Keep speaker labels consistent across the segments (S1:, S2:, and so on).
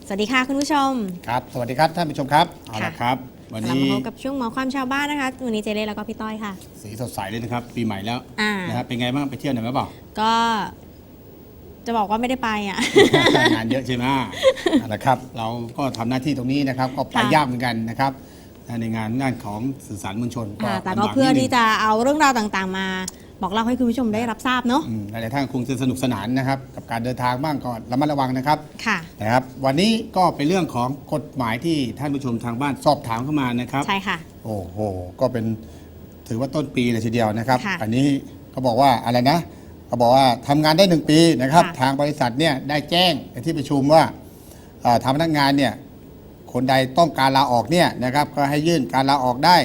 S1: สวัสดีค่ะคุณผู้ชม
S2: ครับสวัสดีครับท่านผู้ชมครับเอาละครับวันนี้
S1: มาพบกับช่วงหมอความชาวบ้านนะคะวันนี้เจเล่แล้วก็พี่ต้อยค่ะ
S2: สีสดใสเลยนะครับปีใหม่แล้ว
S1: นะ
S2: ครับเป็นไงบ้างไปเที่ยวไหนไหมเปล่า
S1: ก็จะบอกว่าไม่ได้ไปอ่ะ
S2: งานเยอะใช่ไหมเอาละครับเราก็ทำหน้าที่ตรงนี้นะครับก็ไปยากเหมือนกันนะครับในงานของสื่อสารมวลชน
S1: แต่ก็เพื่อที่จะเอาเรื่องราวต่างๆมาบอกเล่าให้คุณผู้ชมได้รับทราบเนาะ
S2: หลายๆท่านคงจะสนุกสนานนะครับกับการเดินทางบ้างก็ระมัดระวังนะครับ
S1: ค่ะ
S2: นะครับวันนี้ก็เป็นเรื่องของกฎหมายที่ท่านผู้ชมทางบ้านสอบถามเข้ามานะครับ
S1: ใช่ค่ะ
S2: โอ้โหก็เป็นถือว่าต้นปีเลยทีเดียวนะครับ
S1: ค่ะ
S2: อันนี้เขาบอกว่าอะไรนะเขาบอกว่าทำงานได้1 ปีนะครับทางบริษัทเนี่ยได้แจ้งในที่ประชุมว่าทางพนักงานเนี่ยคนใดต้องการลาออกเนี่ยนะครับก็ให้ยื่นการลาออกได้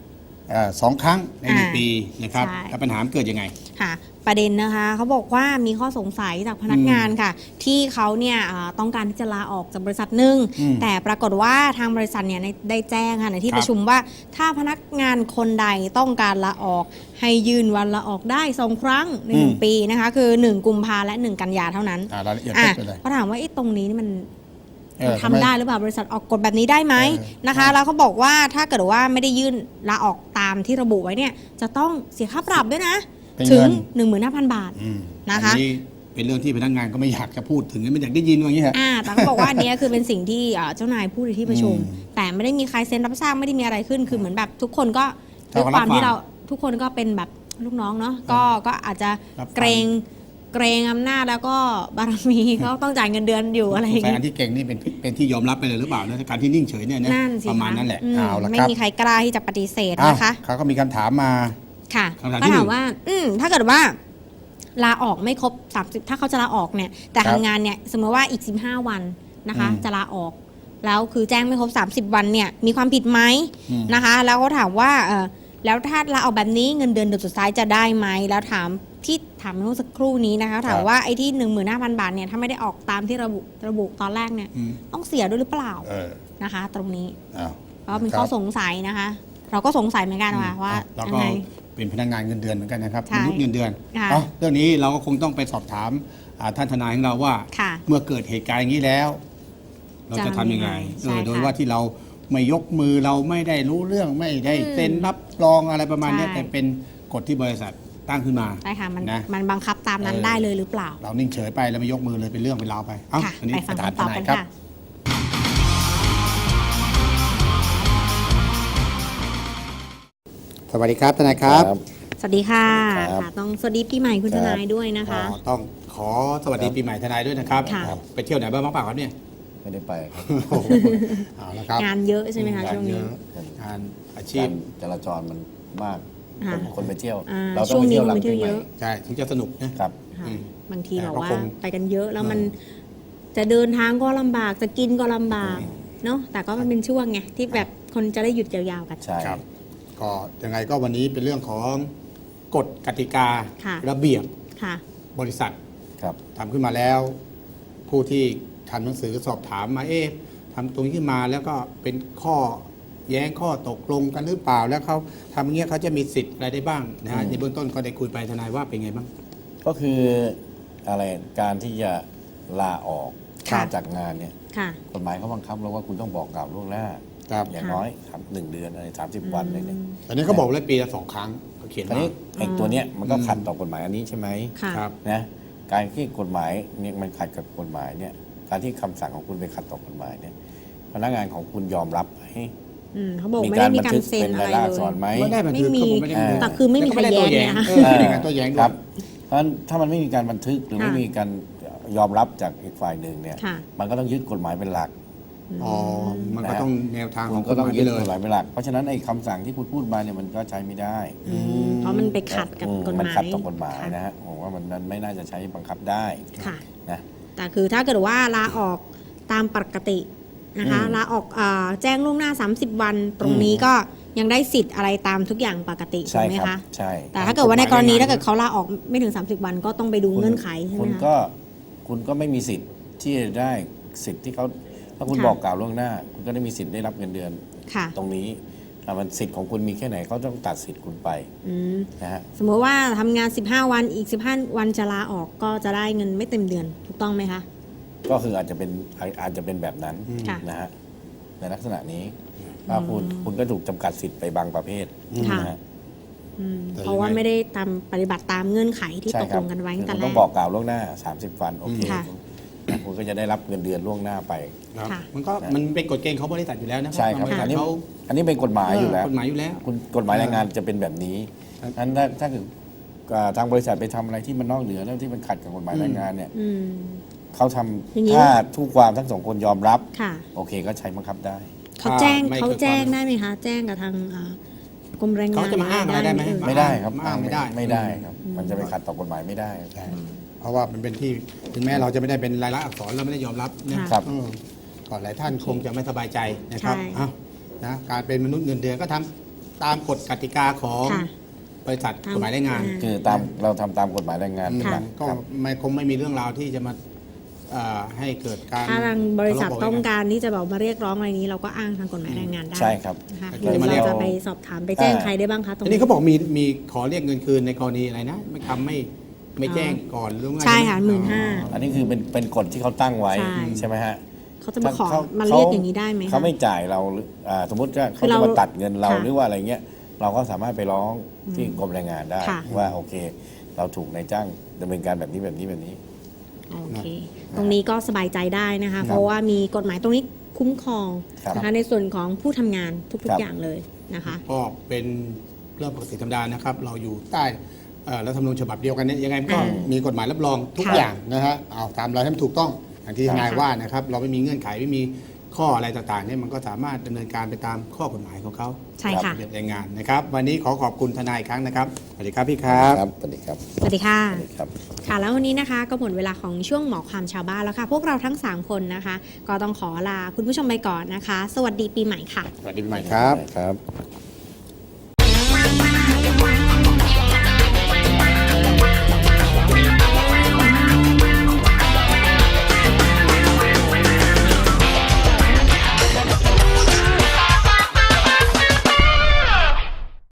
S2: 2 ครั้งใน1 ปีนะครับแล้วปัญหาเกิดยังไง
S1: ค่ะประเด็นนะคะเขาบอกว่ามีข้อสงสัยจากพนักงานค่ะที่เขาเนี่ยต้องการที่จะลาออกจากบริษัทหนึ่งแต่ปรากฏว่าทางบริษัทเนี่ยได้แจ้งค่ะในที่ประชุมว่าถ้าพนักงานคนใดต้องการลาออกให้ยื่นวันลาออกได้2 ครั้งใน1 ปีนะคะคือ1 กุมภาและ1 กันยาเท่านั้น
S2: รายละเอียดเป็นไร
S1: เขาถามว่าตรงนี้นี่มันทำได้หรือเปล่าบริษัทออกกฎแบบนี้ได้ไหมนะคะแล้วเขาบอกว่าถ้าเกิดว่าไม่ได้ยื่นลาออกตามที่ระบุไว้เนี่ยจะต้องเสียค่าปรับด้วยนะถึง 15,000 บาทนะคะ
S2: อันนี้เป็นเรื่องที่พนักงานก็ไม่อยากจะพูดถึงไม่อยากได้ยินว่าอย่างนี้ฮะ
S1: แต่เขาบอกว่าอันนี้คือเป็นสิ่งที่เจ้านายพูดในที่ประชุมแต่ไม่ได้มีใครเซ็นรับทราบไม่ได้มีอะไรขึ้นคือเหมือนแบบทุกคนก็ด้วยความที่เราทุกคนก็เป็นแบบลูกน้องเนาะก็อาจจะเกรงอำนาจแล้วก็บารมีเขาต้องจ่ายเงินเดือนอยู่อะไรอย่างเงี้ย
S2: อันที่เก่งนี่เป็นที่ยอมรับไปเลยหรือเปล่านะการที่นิ่งเฉยเนี่ยประมาณนั้นแหละเอาละครับ
S1: ไม่มีใครกล้าที่จะปฏิเสธนะคะ
S2: เขาก็มีคำถามมา
S1: ค่ะก็ถามว่าถ้าเกิดว่าลาออกไม่ครบ30ถ้าเขาจะลาออกเนี่ยแต่ทำงานเนี่ยสมมติว่าอีก15 วันนะคะจะลาออกแล้วคือแจ้งไม่ครบ30 วันเนี่ยมีความผิดไหมนะคะแล้วก็ถามว่าแล้วถ้าลาออกแบบนี้เงินเดือนเดือนสุดท้ายจะได้ไหมแล้วถามเมื่อสักครู่นี้นะคะถามว่าไอ้ที่ 15,000 บาทเนี่ยถ้าไม่ได้ออกตามที่ระบุตอนแรกเนี่ยต้องเสียด้วยหรือเปล่านะคะตรงนี้เพราะเป็นข้อสงสัยนะคะเราก็สงสัยเหมือนกันว่า
S2: ยังไงเป็นพนักงานเงินเดือนเหมือนกันนะครับมนุษย์เงินเดือนเรื่องนี้เราก็คงต้องไปสอบถามท่านทนายของเราว่าเมื่อเกิดเหตุการณ์อย่างนี้แล้วเราจะทำยังไงโดยว่าที่เราไม่ยกมือเราไม่ได้รู้เรื่องไม่ได้เซ็นรับรองอะไรประมาณนี้แต่เป็นกฎที่บริษัทตั้งขึ้นมา
S1: ใช่ค่ะมันบังคับตามนั้นได้เลยหรือเปล่า
S2: เรานิ่งเฉยไปแล้วไม่ยกมือเลยเป็นเรื่องเป็นราวไป
S1: อันนี้ไปฟังคำตอบกันค่ะ
S2: สวัสดีครับทนายครับ
S1: สวัสดีค่ะต้องสวัสดีปีใหม่คุณทนายด้วยนะคะ
S2: ต้องขอสวัสดีปีใหม่ทนายด้วยนะครับไปเที่ยวไหนบ้างเปล่าครับเนี่ย
S3: ไม่ได้ไปครับ
S2: เอาละครับ
S1: งานเยอะใช่ไหมคะช่วงนี้
S2: งานอาชีพ
S3: จราจรมันมากคนไปเที่ยว
S1: เราต้องไปเที่ยวหลังปีใหม่
S2: ใช่ถึงจะสนุกนะครับ
S1: บางทีบอกว่าไปกันเยอะแล้วมันจะเดินทางก็ลำบากจะกินก็ลำบากเนาะแต่ก็มันเป็นช่วงไงที่แบบคนจะได้หยุดยาวๆกัน
S2: ใช่ครับก็ยังไงก็วันนี้เป็นเรื่องของกฎกติการะเบียบบริษัททำขึ้นมาแล้วผู้ที่ทำหนังสือสอบถามมาทำตรงนี้ขึ้นมาแล้วก็เป็นข้อแย้งข้อตกลงกันหรือเปล่าแล้วเขาทำอย่างเงี้ยเขาจะมีสิทธิ์อะไรได้บ้างนะฮะในเบื้องต้นก็ได้คุยไปทนายว่าเป็นไงบ้าง
S3: ก็คืออะไรการที่จะลาออกจากงานเนี่ยกฎหมายเขาบังคับแล้วว่าคุณต้องบอกกล่าวล่วงหน้าอย่างน้อย1 เดือนอะไร30 วันอะไรเนี่ย
S2: อันนี้เขาบอกเลยปีละ2 ครั้งเขาเขียน
S3: อันนี้ไอ้ตัวเนี้ยมันก็ขัดต่อกฎหมายอันนี้ใช่ไหม
S2: ครับ
S3: นะการที่กฎหมายเนี่ยมันขัดกับกฎหมายเนี่ยการที่คำสั่งของคุณไปขัดต่อกฎหมายเนี่ยพนักงานของคุณยอมรับให้
S1: เขาบอกไม่ได้มีการเซ็นอะไรเลย
S2: ไม่มี
S1: แต่คือไม่มีใครแย้งนะ
S2: ไม่มีการตัวแย้ง
S3: ครับเพราะถ้ามันไม่มีการบันทึกหรือไม่มีการยอมรับจากอีกฝ่ายหนึ่งเนี่ยมันก็ต้องยึดกฎหมายเป็นหลัก
S2: มันก็ต้องแนวทางของ
S3: ก็ต้องยึดกฎหมายเป็นหลักเพราะฉะนั้นไอ้คำสั่งที่คุณพูดมาเนี่ยมันก็ใช้ไม่ได้
S1: เพราะมันไปขัดกับกฎหมาย
S3: มันขัดต่อกฎหมายนะฮะผมว่ามันไม่น่าจะใช้บังคับได้นะ
S1: แต่คือถ้าเกิดว่าลาออกตามปกตินะคะลาออกแจ้งล่วงหน้า30 วันตรงนี้ก็ยังได้สิทธิ์อะไรตามทุกอย่างปกติใช่ไหมคะ
S3: ใช่
S1: แต่ถ้าเกิดว่าในกรณีถ้าเกิดเขาลาออกไม่ถึง30 วันก็ต้องไปดูเงื่อนไขใช่ไหมคะ
S3: คุณก็ไม่มีสิทธิ์ที่จะได้สิทธิ์ที่เขาถ้าคุณบอกกล่าวล่วงหน้าคุณก็ได้มีสิทธิ์ได้รับเงินเดือนตรงนี้มันสิทธิ์ของคุณมีแค่ไหนเขาต้องตัดสิทธิ์คุณไปนะฮะ
S1: สมมติว่าทำงาน15 วันอีก15 วันจะลาออกก็จะได้เงินไม่เต็มเดือนถูกต้องไหมคะ
S3: ก็คืออาจจะเป็นแบบนั้น
S1: ค่ะ
S3: นะฮะในลักษณะนี้ว่าคุณก็ถูกจำกัดสิทธิ์ไปบางประเภท
S1: ค่ะ
S3: นะฮะ
S2: แต่
S1: เพราะว่า
S2: ยังไง
S1: ไม่ได้ตามปฏิบัติตามเงื่อนไขที่
S3: ใช่
S1: ตก
S3: ครั
S1: ลงกันไว้ตั้งแต่
S3: คุณ
S1: แร
S3: ต้อง
S1: ก
S3: บอกกล่าวล่วงหน้า 30 วันโอเค
S1: ค่ะ
S3: คุณก็จะได้รับเงินเดือนล่วงหน้าไป
S2: ครับ
S1: ค่ะ
S2: มันเป็นกฎเกณฑ์ของบริษัทอยู่แล้วนะ
S3: ใช่ครับ
S2: บริษั
S3: อั
S2: ท
S3: นนี้
S2: เขา
S3: อันนี้เป็นกฎหมายอยู่แล้ว
S2: กฎหมายอยู่แล้ว
S3: คุณกฎหมายแรงงานจะเป็นแบบนี้
S2: ครับ
S3: นั้นถ้าเกิดทางบริษัทไปทำอะไรที่มันนอกเหนือแล้วที่มันขัดกับกฎหมายแรงงานเนี่ย
S1: อืม
S3: เขาท
S1: อย่างนี้
S3: ำถ้าทุกความทั้งสองคนยอมรับ
S1: ค่ะ
S3: โอเคก็ใช้บังคับได้
S1: เขาแจ้ง
S2: ไม่
S1: เขา
S2: เกิด
S1: แจ้ง
S2: ความ
S1: ได้ไหมคะ แจ้งกับทางกรมแรงงาน
S2: เขาจะมาอ้างอะไรได้ไหม
S1: เอ่ย
S3: ไม่ได้ครับ
S2: อ้างไม่ได้
S3: ไม่ได้ครับ มันจะไปขัดต่อกฎหมายไม่ได้
S2: ใช่เพราะว่ามันเป็นที่ถึงแม้เราจะไม่ได้เป็นรายลักษณ์อักษรเราไม่ได้ยอมรับนะครับ ก่อนหลายท่านคงจะไม่สบายใจนะครับ
S1: ใช่
S2: เอ้านะการเป็นมนุษย์เงินเดือนก็ทำตามกฎกติกาของ
S1: ค่ะ
S2: บริษัทกฎหมายแรงงาน
S3: คือเราทำตามกฎหมายแรงงานเป็นหลัก
S2: ก็
S3: ครับ
S2: คงไม่มีเรื่องราวที่จะมาให้เกิดการ
S1: ถ้าทางบริษัท
S2: ทะเลาะเบาะ
S1: ต้อง
S2: แว้ง
S1: การที่จะบอกมาเรียกร้องอะไรนี้ เราก็อ้างทางกฎหมายแรงงานได้
S3: ใช่ครับ
S1: นะคะ
S2: แต่
S1: หรือ
S2: จะมา
S1: เรา
S2: เรียก
S1: จะไปสอบถามไปแจ้งใครได้บ้างคะตรง
S2: ที
S1: นี้
S2: นี้เขาบอกมีขอเรียกเงินคืนในกรณีอะไรนะไม่แจ้งก่อนหรือว่า
S1: ใช่ค่ะ
S2: อ๋อ
S1: 15,000
S3: อันนี้คือเป็นกฎที่เขาตั้งไว้
S1: ใช่
S3: ใช่ไหมฮะ
S1: เขาจะมาขอมาเรียกอย่างนี้ได้ไหมคะ
S3: เขาไม่จ่ายเราหรือสมมติว่า
S1: คื
S3: เขา
S1: อเรา
S3: จะมาตัดเงินเรา
S1: ค่ะ
S3: หรือว่าอะไรเงี้ยเราก็สามารถไปร้องที่กรมแรงงานได้
S1: ค่ะ
S3: ว่าโอเค เราถูกนายจ้างดำเนินการแบบนี้แบบนี้แบบนี้
S1: โอเค ตรงนี้ก็สบายใจได้นะคะ เพราะว่ามีกฎหมายตรงนี้คุ้มครอง
S3: ครับ
S1: นะคะในส่วนของผู้ทำงานทุ
S3: ครั
S1: ก
S3: บ
S1: ๆอย่างเลยนะคะ
S2: ก็เป็นเรื่องปกติธรรมดานะครับ เราอยู่ใต้รัฐธรรมนูญฉบับเดียวกันเนี่ยยังไงมันก็
S1: อ่ามี
S2: มีกฎหมายรับรองทุก
S1: ค่ะ
S2: อย่างนะฮะเอาตามเราให้มันถูกต้องอย่างที่
S3: ครับ
S2: นายว่านะครับ เราไม่มีเงื่อนไขไม่มีข้ออะไรต่างๆเนี่ยมันก็สามารถดำเนินการไปตามข้อกฎหมายของเขา
S1: ใช่ค่ะ
S2: ระเบียบแรงงานนะครับ วันนี้ขอบคุณทนายอีกครั้งนะครับสวัสดีครับพี่ครับ
S3: สวัสดีครับ
S1: สวัสดีค่ะ
S3: สวัสดีครับ
S1: ค่ะแล้ววันนี้นะคะก็หมดเวลาของช่วงหมอความชาวบ้านแล้วค่ะ พวกเราทั้ง 3 คนนะคะ ก็ต้องขอลาคุณผู้ชมไปก่อนนะคะ สวัสดีปีใหม่ค่ะ
S2: สวัสดีปีใหม่ครับ
S3: ครับ